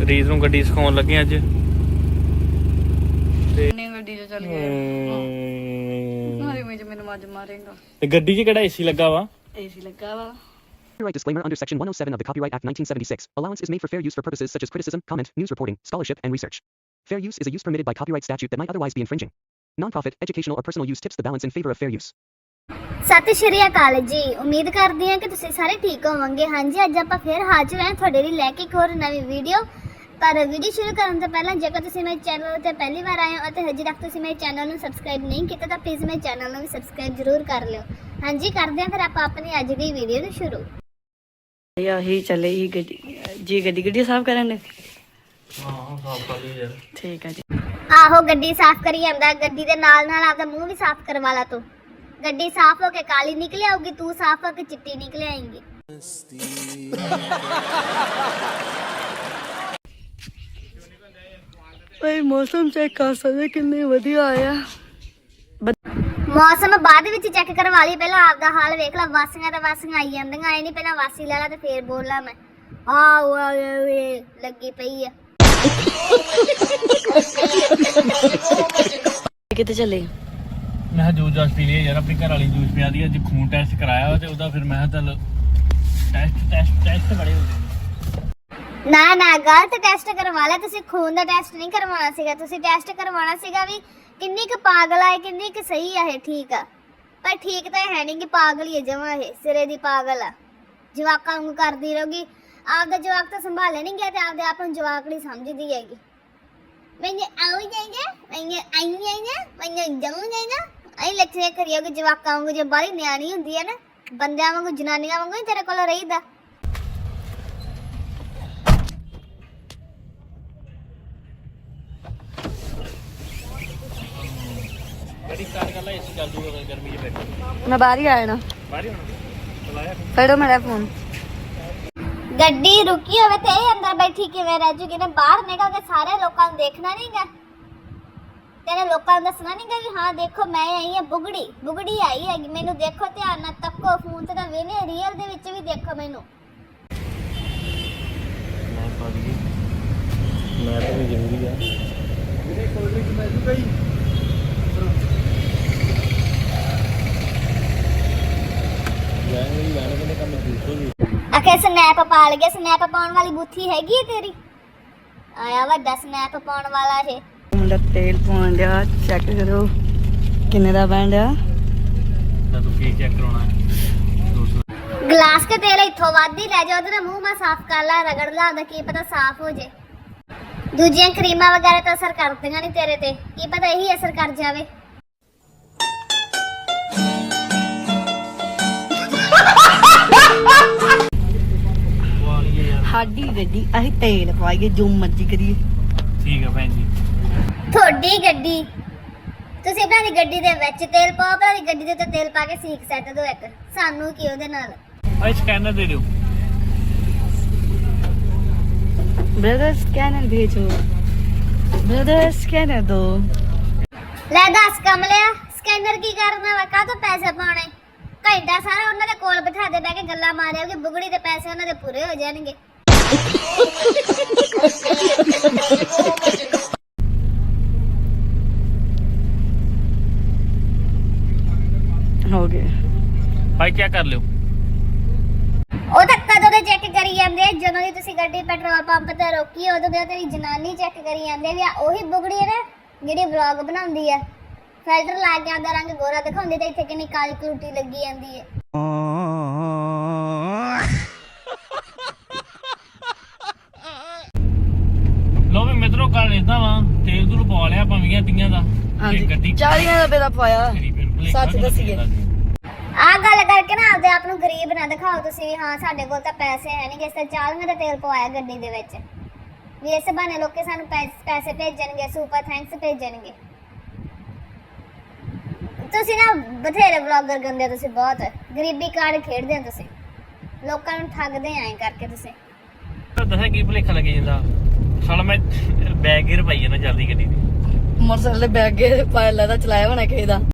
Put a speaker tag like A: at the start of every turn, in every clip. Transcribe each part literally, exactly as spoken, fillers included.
A: ਰੀਤ ਨੂੰ ਗੱਡੀ ਸਿਖਾਉਣ ਲੱਗੇ ਅੱਜ ਤੇ
B: ਗੱਡੀ 'ਚ ਚੱਲ ਗਏ ਮਾਰੇ ਵਿੱਚ ਮੈਨੂੰ ਮੱਝ ਮਾਰੇਗਾ
A: ਤੇ ਗੱਡੀ 'ਚ ਕਿਹੜਾ ਏਸੀ ਲੱਗਾ ਵਾ
B: ਏਸੀ ਲੱਗਾ ਵਾ
C: Copyright disclaimer under Section one oh seven of the Copyright Act nineteen seventy-six. Allowance is made for fair use for purposes such as criticism, comment, news reporting, scholarship, and research. Fair use is a use permitted by copyright statute that might otherwise be infringing. Non-profit, educational, or personal use tips the balance in favor of fair use.
D: ਸਤਿ ਸ਼੍ਰੀ ਅਕਾਲ ਜੀ। ਉਮੀਦ ਕਰਦੀ ਹਾਂ ਕਿ ਤੁਸੀਂ ਸਾਰੇ ਠੀਕ ਹੋਵੋਗੇ। ਹਾਂਜੀ, ਅੱਜ ਆਪਾਂ ਫਿਰ ਹਾਜ਼ਰ ਹਾਂ ਤੁਹਾਡੇ ਲਈ ਲੈ ਕੇ ਇੱਕ ਹੋਰ ਨਵੀਂ ਵੀਡੀਓ। ਪਰ ਵੀਡੀਓ ਸ਼ੁਰੂ ਕਰਨ ਤੋਂ ਪਹਿਲਾਂ ਜੇਕਰ ਤੁਸੀਂ ਮੇਰੇ ਚੈਨਲ 'ਤੇ ਪਹਿਲੀ ਵਾਰ ਆਏ ਹੋ ਅਤੇ ਹਜੇ ਤੱਕ ਤੁਸੀਂ ਮੇਰੇ ਚੈਨਲ ਨੂੰ ਸਬਸਕ੍ਰਾਈਬ ਨਹੀਂ ਕੀਤਾ ਤਾਂ ਪਲੀਜ਼ ਮੇਰੇ ਚੈਨਲ ਨੂੰ ਵੀ ਸਬਸਕ੍ਰਾਈਬ ਜ਼ਰੂਰ ਕਰ ਲਿਓ। ਹਾਂਜੀ, ਕਰਦੇ ਹਾਂ ਫਿਰ ਆਪਾਂ ਆਪਣੀ ਅੱਜ ਦੀ ਵੀਡੀਓ ਨੂੰ ਸ਼ੁਰੂ।
B: ਯਾਹੀ ਚੱਲੇ ਹੀ ਗੱਡੀ ਜੀ ਗੱਡੀ ਗੱਡੀ ਸਾਫ਼ ਕਰਨ ਦੇ
A: ਹਾਂ ਸਾਫ਼ ਕਰ ਲਈ ਯਾਰ
B: ਠੀਕ ਹੈ ਜੀ।
D: ਆਹੋ, ਗੱਡੀ ਸਾਫ਼ ਕਰੀ ਜਾਂਦਾ। ਗੱਡੀ ਦੇ ਨਾਲ ਨਾਲ ਆਪਦਾ ਮੂੰਹ ਵੀ ਸਾਫ਼ ਕਰਵਾ ਲਾ ਤੂੰ। ਗੱਡੀ ਸਾਫ਼ ਹੋ ਕੇ ਕਾਲੀ ਨਿਕਲ ਆਊਗੀ, ਤੂੰ ਸਾਫ਼ ਹੋ ਕੇ ਚਿੱਟੀ ਨਿਕਲ ਆਏਂਗੀ।
B: ਓਏ ਮੌਸਮ ਚੈੱਕ ਕਰ ਸਕਦੇ ਕਿੰਨੇ ਵਧੀਆ ਆਇਆ।
D: ਮੌਸਮ ਬਾਅਦ ਵਿੱਚ ਚੈੱਕ ਕਰਵਾ ਲਈ, ਪਹਿਲਾਂ ਆਪਦਾ ਹਾਲ ਵੇਖ ਲੈ। ਵਾਸੀਆਂ ਤਾਂ ਵਾਸੀਆਂ ਆਈ ਜਾਂਦੀਆਂ, ਐ ਨਹੀਂ ਪਹਿਲਾਂ ਵਾਸੀ ਲੈ ਲਾ ਤੇ ਫੇਰ ਬੋਲਾਂ ਮੈਂ। ਆ ਓਏ ਲੱਗੀ ਪਈ ਆ।
B: ਕਿੱਥੇ ਚੱਲੇ?
A: ਮੈਂ ਜੂਸ ਜਾਸ ਪੀ ਲਿਆ ਯਾਰ, ਆਪਣੀ ਘਰ ਵਾਲੀ ਜੂਸ ਪਿਆ ਦੀ। ਅੱਜ ਖੂਨ ਟੈਸਟ ਕਰਾਇਆ ਵਾ ਤੇ ਉਹਦਾ ਫਿਰ ਮੈਂ ਚੱਲ ਟੈਸਟ ਟੈਸਟ ਟੈਸਟ ਬੜੇ ਹੋ ਗਏ।
D: ਨਾ ਨਾ, ਗਲਤ ਟੈਸਟ ਕਰਵਾ ਲਿਆ ਤੁਸੀਂ। ਖੂਨ ਦਾ ਟੈਸਟ ਨਹੀਂ ਕਰਵਾਉਣਾ ਸੀਗਾ, ਤੁਸੀਂ ਟੈਸਟ ਕਰਵਾਉਣਾ ਸੀਗਾ ਵੀ ਕਿੰਨੀ ਕੁ ਪਾਗਲ ਆ, ਕਿੰਨੀ ਕੁ ਸਹੀ ਆ ਇਹ। ਠੀਕ ਆ, ਪਰ ਠੀਕ ਤਾਂ ਹੈ ਨਹੀਂ ਕਿ ਪਾਗਲ ਹੀ ਹੈ ਜਮਾਂ। ਇਹ ਸਿਰੇ ਦੀ ਪਾਗਲ ਆ, ਜਵਾਕਾਂ ਵਾਂਗੂ ਕਰਦੀ ਰਹੂਗੀ। ਆਪਦਾ ਜਵਾਕ ਤਾਂ ਸੰਭਾਲੇ ਨਹੀਂ ਗਿਆ ਤੇ ਆਪਦੇ ਆਪ ਨੂੰ ਜਵਾਕੜੀ ਸਮਝਦੀ ਹੈਗੀ। ਮੈਨੂੰ ਆਉ ਜਾਈਗਾ, ਮੈਨੂੰ ਆਈ ਜਾਈਗਾ, ਮੈਨੂੰ ਜਾਉ ਜਾਈਗਾ। ਐਂ ਲੱਛੇ ਕਰੀਓਗੇ ਜਵਾਕਾਂ ਵਾਂਗੂ। ਜੇ ਬਾਹਲੀ ਨਿਆਣੀ ਹੁੰਦੀ ਹੈ ਨਾ, ਬੰਦਿਆਂ ਵਾਂਗੂ ਜਨਾਨੀਆਂ ਵਾਂਗੂ ਹੀ ਤੇਰੇ ਕੋਲ ਰਹੀਦਾ।
A: ਗੱਡੀ ਸਟਾਰਟ ਕਰ ਲੈ, ਏਸੀ ਚੱਲ ਜੂਗਾ ਗਰਮੀ 'ਚ ਬੈਠ।
B: ਮੈਂ ਬਾਹਰ ਹੀ ਆਇਆ ਨਾ,
A: ਬਾਹਰ ਹੀ ਹੋਣਾ ਚਲਾਇਆ
B: ਫੜੋ ਮੇਰਾ ਫੋਨ।
D: ਗੱਡੀ ਰੁਕੀ ਹੋਵੇ ਤੇ ਇਹ ਅੰਦਰ ਬੈਠੀ ਕਿਵੇਂ ਰਹਿ ਜੂਗੀ ਨੇ? ਬਾਹਰ ਨਿਕਲ ਕੇ ਸਾਰੇ ਲੋਕਾਂ ਨੂੰ ਦੇਖਣਾ ਨਹੀਂਗਾ, ਤੇਰੇ ਲੋਕਾਂ ਨੂੰ ਦੱਸਣਾ ਨਹੀਂਗਾ ਵੀ ਹਾਂ ਦੇਖੋ ਮੈਂ ਆਈ ਹਾਂ। ਬੁਗੜੀ ਬੁਗੜੀ ਆਈ ਹੈਗੀ, ਮੈਨੂੰ ਦੇਖੋ, ਧਿਆਨ ਨਾਲ ਤੱਕੋ। ਫੋਨ ਤੇ ਤਾਂ ਵੇਨੇ, ਰੀਅਲ ਦੇ ਵਿੱਚ ਵੀ ਦੇਖੋ ਮੈਨੂੰ।
A: ਮੈਂ ਪਾ ਦਈਏ, ਮੈਂ ਤਾਂ ਵੀ ਜ਼ਰੂਰੀ ਆ। ਮੇਰੇ ਕੋਲ ਵੀ ਮੈਂ ਜੂਗਾ ਹੀ ਯਾਰ, ਮੇਰੀ ਯਾਰ ਕਹਿੰਦੇ ਕੰਮ ਦੂਸਰੇ ਵੀ
D: ਆਖੇ ਸਨੈਪ ਪਾ ਲਗੇ। ਸਨੈਪ ਪਾਉਣ ਵਾਲੀ ਬੁੱਥੀ ਹੈਗੀ ਹੈ ਤੇਰੀ? ਆਇਆ ਵੱਡਾ ਸਨੈਪ ਪਾਉਣ ਵਾਲਾ ਇਹ।
B: ਮੁੰਡਾ ਤੇਲ ਪਾਉਣ ਡਿਆ, ਚੈੱਕ ਕਰੋ ਕਿੰਨੇ ਦਾ ਬਣ ਡਿਆ।
A: ਤਾਂ ਤੂੰ ਕੀ ਚੈੱਕ ਕਰਾਉਣਾ ਹੈ? ਦੋ ਸੌ
D: ਗਲਾਸ ਕੇ ਤੇਲ ਇੱਥੋਂ ਵੱਧ ਹੀ ਲੈ ਜਾ, ਉਹਦੇ ਨਾਲ ਮੂੰਹ ਮਾ ਸਾਫ਼ ਕਰ ਲਾ, ਰਗੜ ਲਾ, ਉਹਦਾ ਕੀ ਪਤਾ ਸਾਫ਼ ਹੋ ਜੇ। ਦੂਜੀਆਂ ਕਰੀਮਾਂ ਵਗੈਰਾ ਤਾਂ ਅਸਰ ਕਰਦੀਆਂ ਨਹੀਂ ਤੇਰੇ ਤੇ, ਕੀ ਪਤਾ ਇਹੀ ਅਸਰ ਕਰ ਜਾਵੇ।
B: ਸਾਡੀ ਗੱਡੀ ਅਸੀਂ ਤੇਲ ਪਾਈਏ, ਜੋ ਮਰਜ਼ੀ ਕਰੀਏ।
A: ਠੀਕ ਆ ਭੈਣ ਜੀ।
D: ਤੁਹਾਡੀ ਗੱਡੀ, ਤੁਸੀਂ ਆਪਣੀ ਦੀ ਗੱਡੀ ਦੇ ਵਿੱਚ ਤੇਲ ਪਾਓ, ਆਪਣੀ ਗੱਡੀ ਦੇ ਉੱਤੇ ਤੇਲ ਪਾ ਕੇ ਸੀਖ ਸੈੱਟ ਦਿਓ ਇੱਕ। ਸਾਨੂੰ ਕੀ ਉਹਦੇ ਨਾਲ?
A: ਆ ਸਕੈਨਰ ਦੇ ਦਿਓ।
B: ब्रदर स्कैनर भेजो, ब्रदर स्कैनर दो।
D: ਲੈ ਦੱਸ ਕਮਲਿਆ, ਸਕੈਨਰ ਕੀ ਕਰਨਾ ਵਾ? ਕਾਹ ਤੋਂ ਪੈਸੇ ਪਾਉਣੇ? ਘੰਟਾ ਸਾਰਾ ਉਹਨਾਂ ਦੇ ਕੋਲ ਬਿਠਾ ਦੇ, ਬਹਿ ਕੇ ਗੱਲਾਂ ਮਾਰਿਓਗੇ। ਬੁਗੜੀ ਦੇ ਪੈਸੇ ਉਹਨਾਂ ਦੇ ਪੂਰੇ ਹੋ ਜਾਣਗੇ।
B: हो गए
A: ਭਾਈ ਕੀ ਕਰ ਲਿਓ?
D: ਉਹ ਤਾਂ ਕਦੋਂ ਦੇ ਚੈੱਕ ਕਰੀ ਜਾਂਦੇ ਆ, ਜਦੋਂ ਦੀ ਤੁਸੀਂ ਗੱਡੀ ਪੈਟਰੋਲ ਪੰਪ ਤੇ ਰੋਕੀ ਉਦੋਂ ਦੇ ਤੇ ਜਨਾਨੀ ਚੈੱਕ ਕਰੀ ਜਾਂਦੇ ਵੀ ਆ ਉਹੀ ਬੁਗੜੀ ਹੈ ਨਾ ਜਿਹੜੀ ਵਲੌਗ ਬਣਾਉਂਦੀ ਆ। ਫਿਲਟਰ ਲਾ ਕੇ ਆਉਂਦਾ ਰੰਗ ਗੋਰਾ ਦਿਖਾਉਂਦੀ ਤੇ ਇੱਥੇ ਕਿੰਨੀ ਕਾਲੀ ਕਲੂਟੀ ਲੱਗੀ ਜਾਂਦੀ ਹੈ।
A: ਲੋ ਵੀ ਮਿੱਤਰੋ, ਕੱਲ ਇਦਾਂ ਵਾ ਤੇਲ ਤੂਲ ਪਵਾ ਲਿਆ ਆਪਾਂ ਵੀਹਾਂ ਤੀਆਂ ਦਾ।
B: ਹਾਂਜੀ,
A: ਗੱਡੀ
B: ਚਾਲੀਆਂ ਰੁਪਏ ਦਾ ਪਾਇਆ। ਸੱਚ ਦੱਸੀਏ,
D: ਆਹ ਗੱਲ ਕਰਕੇ ਨਾ ਆਪਦੇ ਆਪ ਨੂੰ ਗਰੀਬ ਨਾ ਦਿਖਾਓ ਤੁਸੀਂ ਵੀ ਹਾਂ ਸਾਡੇ ਕੋਲ ਤਾਂ ਪੈਸੇ ਹੈ ਨਹੀਂ। ਕਿਸੇ ਚਾਲੀਆਂ ਦਾ ਤੇਲ ਪਵਾਇਆ ਗੱਡੀ ਦੇ ਵਿੱਚ ਵੀ, ਇਸ ਬਹਾਨੇ ਲੋਕੀ ਸਾਨੂੰ ਪੈਸੇ ਭੇਜਣਗੇ, ਸੁਪਰ ਥੈਂਕਸ ਭੇਜਣਗੇ। ਤੁਸੀਂ ਨਾ ਬਥੇਰੇ ਵਲੌਗਰ ਗੰਦੇ, ਤੁਸੀਂ ਬਹੁਤ ਗਰੀਬੀ ਕਾਰਡ ਖੇਡਦੇ ਹੋ ਤੁਸੀਂ, ਲੋਕਾਂ ਨੂੰ ਠੱਗਦੇ ਐਂ ਕਰਕੇ ਤੁਸੀਂ।
A: ਦੱਸਿਆ ਕੀ ਭੁਲੇਖਾ ਲੱਗੇ ਜਾਂਦਾ ਸਾਲਾ। ਮੈਂ ਬੈਗ ਗੇਅਰ ਪਾਈ ਜਾਂਦਾ ਜਲਦੀ ਗੱਡੀ ਦੀ।
B: ਮੋਟਰਸਾਈਕਲ ਦੇ ਬੈਗ ਗਏ ਪਾਇਆ, ਲੱਗਦਾ ਚਲਾਇਆ ਹੋਣਾ ਕਿਸੇ ਦਾ।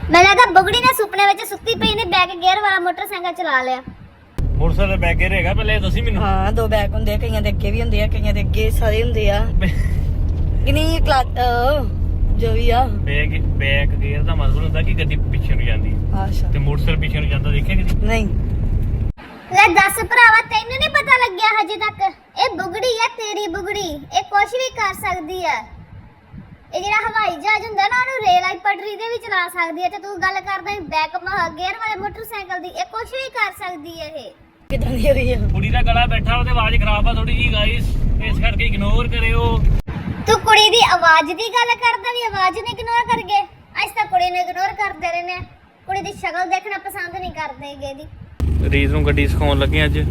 D: ਮੈਨੂੰ ਲੱਗਦਾ ਬੁਗੜੀ ਨੇ ਸੁਪਨੇ ਵਿੱਚ ਸੁੱਤੀ ਪਈ ਨੇ ਬੈਕ ਗੇਅਰ ਵਾਲਾ ਮੋਟਰਸਾਈਕਲ ਚਲਾ ਲਿਆ।
A: ਮੋਟਰਸਾਈਕਲ ਬੈਕ ਗੇਅਰ ਹੈਗਾ ਪਹਿਲੇ ਦੱਸੀ ਮੈਨੂੰ।
B: ਹਾਂ ਦੋ ਬੈਕ ਹੁੰਦੇ ਆ, ਕਈਆਂ ਦੇ ਅੱਗੇ ਵੀ ਹੁੰਦੇ ਆ, ਕਈਆਂ ਦੇ ਅੱਗੇ ਸਾਰੇ ਹੁੰਦੇ ਆ। ਕਿੰਨੀ ਕਲਾਸ ਜੋ ਵੀ ਆ
A: ਬੈਕ ਬੈਕ ਗੇਅਰ ਦਾ ਮਤਲਬ ਹੁੰਦਾ ਕਿ ਗੱਡੀ ਪਿੱਛੇ ਨੂੰ ਜਾਂਦੀ ਹੈ
B: ਅੱਛਾ
A: ਤੇ ਮੋਟਰਸਾਈਕਲ ਪਿੱਛੇ ਨੂੰ ਜਾਂਦਾ, ਦੇਖਿਆ ਕਦੀ?
B: ਨਹੀਂ
D: ਲੈ ਦੱਸ ਭਰਾਵਾ ਤੈਨੂੰ ਨਹੀਂ ਪਤਾ ਲੱਗਿਆ ਹਜੇ ਤੱਕ? ਇਹ ਬੁਗੜੀ ਆ ਤੇਰੀ ਬੁਗੜੀ, ਇਹ ਕੁਝ ਵੀ ਕਰ ਸਕਦੀ ਆ। ਇਹ ਜਿਹੜਾ ਹਵਾਈ ਜਹਾਜ਼ ਹੁੰਦਾ ਨਾ ਉਹਨੂੰ ਰੇਲ ਆਈ ਪਟਰੀ ਤੇ ਵੀ ਚਲਾ ਸਕਦੀ ਹੈ ਤੇ ਤੂੰ ਗੱਲ ਕਰਦਾ ਬੈਕ ਗੇਅਰ ਵਾਲੇ ਮੋਟਰਸਾਈਕਲ ਦੀ। ਇਹ ਕੁਝ ਵੀ ਕਰ ਸਕਦੀ ਹੈ। ਇਹ
B: ਕਿਦਾਂ ਦੀ ਹੋਈ ਆ?
A: ਕੁੜੀ ਦਾ ਗਲਾ ਬੈਠਾ ਉਹਦੇ ਆਵਾਜ਼ ਖਰਾਬ ਆ ਥੋੜੀ ਜੀ ਗਾਇਸ, ਇਸ ਕਰਕੇ ਇਗਨੋਰ ਕਰਿਓ।
D: ਤੂੰ ਕੁੜੀ ਦੀ ਆਵਾਜ਼ ਦੀ ਗੱਲ ਕਰਦਾ ਵੀ ਆਵਾਜ਼ ਨੂੰ ਇਗਨੋਰ ਕਰ ਗਏ। ਅੱਜ ਤਾਂ ਕੁੜੀ ਨੂੰ ਇਗਨੋਰ ਕਰਦੇ ਰਹਿੰਦੇ ਆ, ਕੁੜੀ ਦੀ ਸ਼ਕਲ ਦੇਖਣਾ ਪਸੰਦ ਨਹੀਂ ਕਰਦੇ ਹੈਗੇ। ਦੀ
A: ਰੀਤ ਨੂੰ ਗੱਡੀ ਸਿਖਾਉਣ ਲੱਗੇ ਅੱਜ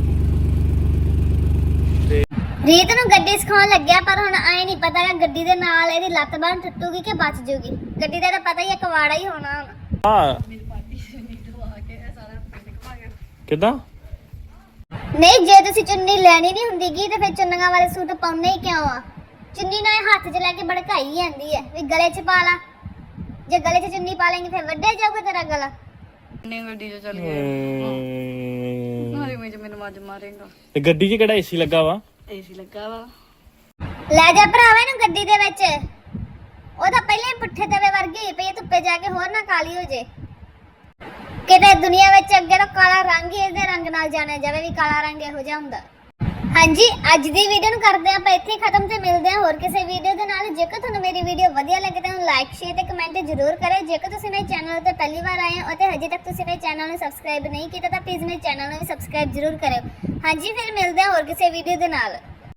A: ਤੇ
D: ਰੀਤ ਨੂੰ ਗੱਡੀ ਸਿਖਾਉਣ ਲੱਗਿਆ, ਪਰ ਹੁਣ ਐ ਨਹੀਂ ਪਤਾ ਕਿ ਗੱਡੀ ਦੇ ਨਾਲ ਇਹਦੀ ਲੱਤ ਬਾਂਹ ਟੁੱਟੂਗੀ ਕਿ ਬਚ ਜੂਗੀ। ਗੱਡੀ ਦਾ ਤਾਂ ਪਤਾ ਹੀ ਹੈ ਕਵਾੜਾ ਹੀ ਹੋਣਾ ਹੁਣ।
A: ਹਾਂ ਕਿਦਾਂ?
D: ਨਹੀਂ ਜੇ ਤੁਸੀਂ ਚੁੰਨੀ ਲੈਣੀ ਨਹੀਂ ਹੁੰਦੀਗੀ ਤੇ ਫਿਰ ਚੁੰਨੀਆਂ ਵਾਲੇ ਸੂਟ ਪਾਉਣੇ ਹੀ ਕਿਉਂ ਆ? ਚੁੰਨੀ ਨੂੰ ਇਹ ਹੱਥ 'ਚ ਲੈ ਕੇ ਭੜਕਾਈ ਜਾਂਦੀ ਹੈ ਵੀ ਗਲੇ 'ਚ ਪਾ ਲਾ। ਜੇ ਗਲੇ 'ਚ ਚੁੰਨੀ ਪਾ ਲੇਂਗੇ ਫਿਰ ਵੱਡੇ ਜਾਊਗਾ ਤੇਰਾ ਗਲਾ।
B: ਨੇ ਗੱਡੀ 'ਚ ਚੱਲ ਗਿਆ ਮਾਰੇ ਵਿੱਚ ਮੈਨੂੰ ਮੱਜ ਮਾਰੇਗਾ।
A: ਤੇ ਗੱਡੀ 'ਚ ਕਿਹੜਾ ਏਸੀ ਲੱਗਾ ਵਾ?
B: ਏਸੀ ਲੱਗਾ ਵਾ।
D: ਲੈ ਜਾ ਭਰਾਵਾ ਇਹਨੂੰ ਗੱਡੀ ਦੇ ਵਿੱਚ। ਉਹ ਤਾਂ ਪਹਿਲਾਂ ਹੀ ਪੁੱਠੇ ਤਵੇ ਵਰਗੀ ਹੋਈ ਪਈ ਹੈ, ਧੁੱਪੇ ਜਾ ਕੇ ਹੋਰ ਨਾ ਕਾਲੀ ਹੋ ਜੇ। ਕਿਤੇ ਦੁਨੀਆ ਵਿੱਚ ਅੱਗੇ ਤਾਂ ਕਾਲਾ ਰੰਗ ਹੀ ਇਹਦੇ ਰੰਗ ਨਾਲ ਜਾਣਿਆ ਜਾਵੇ ਵੀ ਕਾਲਾ ਰੰਗ ਇਹੋ ਜਿਹਾ ਹੁੰਦਾ। ਹਾਂਜੀ ਅੱਜ ਦੀ ਵੀਡੀਓ ਨੂੰ ਕਰਦੇ ਆਪਾਂ ਇੱਥੇ ਖਤਮ ਤੇ ਮਿਲਦੇ ਹਾਂ ਹੋਰ ਕਿਸੇ ਵੀਡੀਓ ਦੇ ਨਾਲ। ਜੇਕਰ ਤੁਹਾਨੂੰ ਮੇਰੀ ਵੀਡੀਓ ਵਧੀਆ ਲੱਗੇ ਤਾਂ ਲਾਈਕ ਸ਼ੇਅਰ ਤੇ ਕਮੈਂਟ ਜ਼ਰੂਰ ਕਰਿਓ। ਜੇਕਰ ਤੁਸੀਂ ਮੇਰੇ ਚੈਨਲ ਤੇ ਪਹਿਲੀ ਵਾਰ ਆਏ ਹੋ ਅਤੇ ਹਜੇ ਤੱਕ ਤੁਸੀਂ ਮੇਰੇ ਚੈਨਲ ਨੂੰ ਸਬਸਕ੍ਰਾਈਬ ਨਹੀਂ ਕੀਤਾ ਤਾਂ ਪਲੀਜ਼ ਮੇਰੇ ਚੈਨਲ ਨੂੰ ਵੀ ਸਬਸਕ੍ਰਾਈਬ ਜ਼ਰੂਰ ਕਰਿਓ। ਹਾਂਜੀ ਫਿਰ ਮਿਲਦੇ ਹਾਂ ਹੋਰ ਕਿਸੇ ਵੀਡੀਓ ਦੇ ਨਾਲ।